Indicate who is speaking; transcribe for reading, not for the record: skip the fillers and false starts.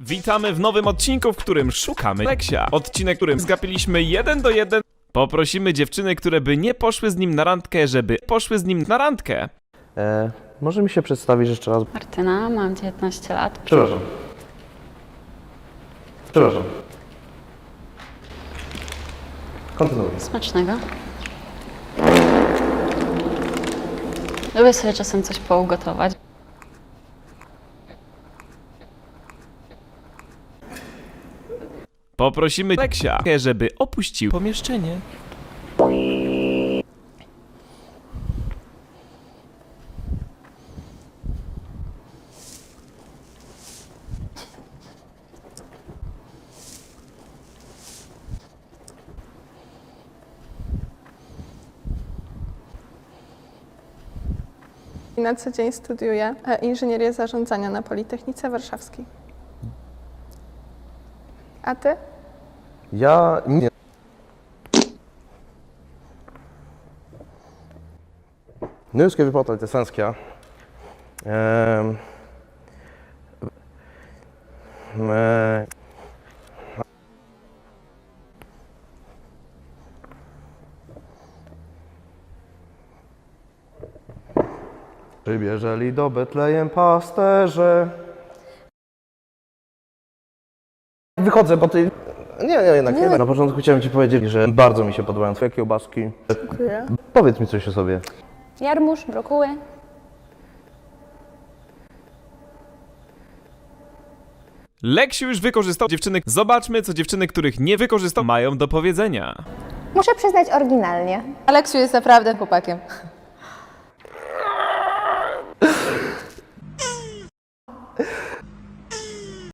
Speaker 1: Witamy w nowym odcinku, w którym szukamy Leksia. Odcinek, w którym zgapiliśmy 1 do 1. Poprosimy dziewczyny, które by nie poszły z nim na randkę, żeby poszły z nim na randkę.
Speaker 2: Może mi się przedstawić jeszcze raz?
Speaker 3: Martyna, mam 19 lat.
Speaker 2: Przepraszam. Kontynuuj.
Speaker 3: Smacznego. Lubię sobie czasem coś pougotować.
Speaker 1: Poprosimy Leksia, żeby opuścił pomieszczenie.
Speaker 4: Na co dzień studiuję inżynierię zarządzania na Politechnice Warszawskiej. A ty?
Speaker 2: Ja nie. Nu ska vi prata lite svenska. Przybierzeli do Betlejem pasterze. Wychodzę, bo ty... Nie, jednak nie. Na początku chciałem ci powiedzieć, że bardzo mi się podobają twoje kiełbaski.
Speaker 4: Dziękuję.
Speaker 2: Powiedz mi coś o sobie.
Speaker 5: Jarmuż, brokuły.
Speaker 1: Leksiu już wykorzystał dziewczyny. Zobaczmy, co dziewczyny, których nie wykorzystał, mają do powiedzenia.
Speaker 5: Muszę przyznać oryginalnie.
Speaker 6: Aleksiu jest naprawdę chłopakiem.